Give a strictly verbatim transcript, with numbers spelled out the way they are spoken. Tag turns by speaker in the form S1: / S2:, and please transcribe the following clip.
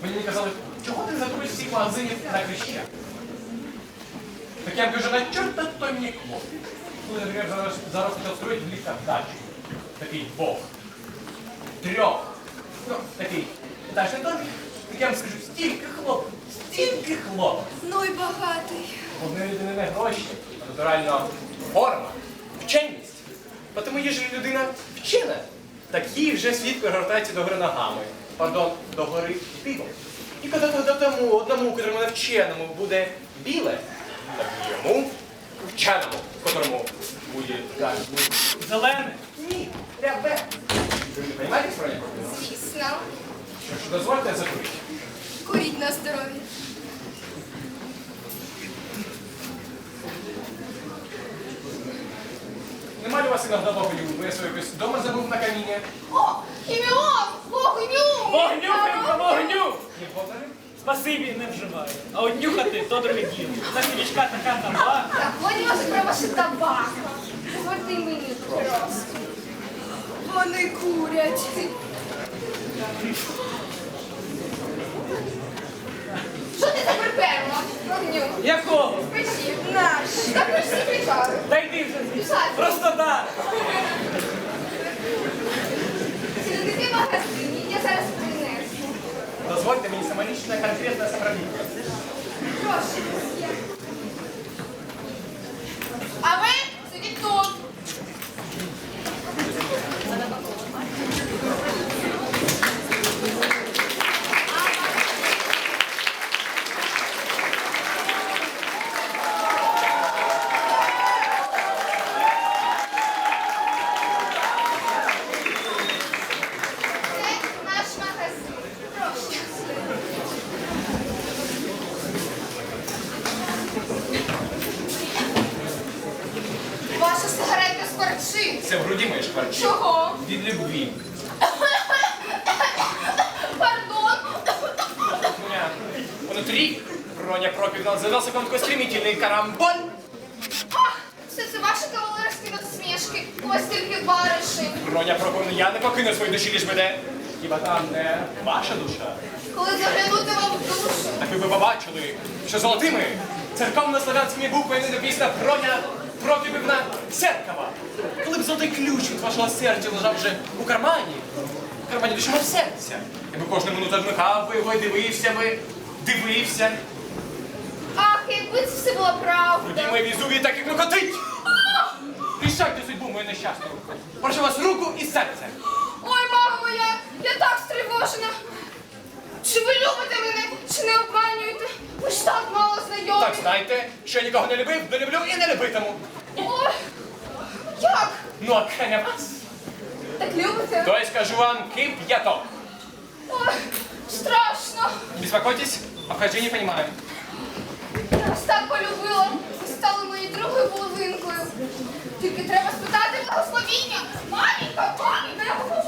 S1: Мені казали, чого ти закрив всіх магазинів на Хреща? Так я кажу, на чорта то мені клоп. Коли, наприклад, зараз, зараз почав строїти в ліфтах дачу. Такий бог. Трьох. Ну, такий дачний домик. Так я вам скажу, стільки хлоп, стільки хлоп.
S2: Ну й багатий.
S1: Одної людини не гроші, а натуральна форма, вченість. Тому якщо людина вчена, так їй вже світ перегортається до гори ногами. Пардон, до гори півом. І коли тому одному, котрому навченому буде біле, так і йому, вченому, котрому буде так.
S3: Зелене?
S1: Ні, рябе. Ви не розумієте, про нього?
S2: Звісно.
S1: Що ж, дозвольте закурити.
S2: Куріть на здоров'я.
S1: Нема ли у вас іногда вогню? Ви свою якось вдома забув на каміння?
S2: О, ім'я! Вогню!
S3: Вогню, Фимко, вогню!
S1: Не подали?
S3: Спасибі, не вживаю. А от нюхати то друге діло. На свічка така табака.
S2: Так, вони вас про ваші табака. Дозвольте й мені просто. Вони курять. Що ти тепер перла? Вогню.
S3: Якого?
S2: Печі. Наш. Так ми ж всі прикали.
S3: Та йди вже звідси.
S2: Писати.
S3: Просто так.
S2: Сидите в магазині, я зараз принесу.
S1: Дозвольте мені самолічне конкретне справління.
S2: Прошу. А ви сидіть тут. Це наш магазин. Прошу. Ваша сигарета скорчить.
S1: Це в груді моє шкварчить.
S2: Чого?
S1: Від любві.
S2: Пардон.
S1: Внутрі Роня Проківна за носиком такой стремительний карамболь.
S2: Ах, все це ваші кавалерські насмішки. У вас тільки бариші.
S1: Роня Проківна, я не покину свої душі, ліж мене. Хіба там не ваша душа?
S2: Коли заглянути вам в душу.
S1: Так ви б побачили, що золотими церковно-славянськими буквами написано Роня Проківна Церкова. Коли б золотий ключ від вашого серця лежав вже у кармані, у кармані душі мов серця, я би кожну минуту одмикав би його і дивився би, дивився.
S2: Ах, якби це все була правда.
S1: Тоді моє візуві так і кликотить. Рішайте судьбу мою нещасну. Прошу вас руку і серце.
S2: Ой, мама моя, я так стривожена. Чи ви любите мене, чи не обманюєте? Ви ж так мало знайомі.
S1: Так знайте, що я нікого не любив, не люблю і не любитиму.
S2: Ой, як?
S1: Ну, а кеня вас.
S2: Так любите?
S1: То я скажу вам кип'яток.
S2: Ой, страшно.
S1: Не беспокойтесь, обхождение не понимаю.
S2: Я вас так полюбила. Ви стали моєю другою половинкою. Тільки треба спитати благословіння. Маленька, маленька, я хочу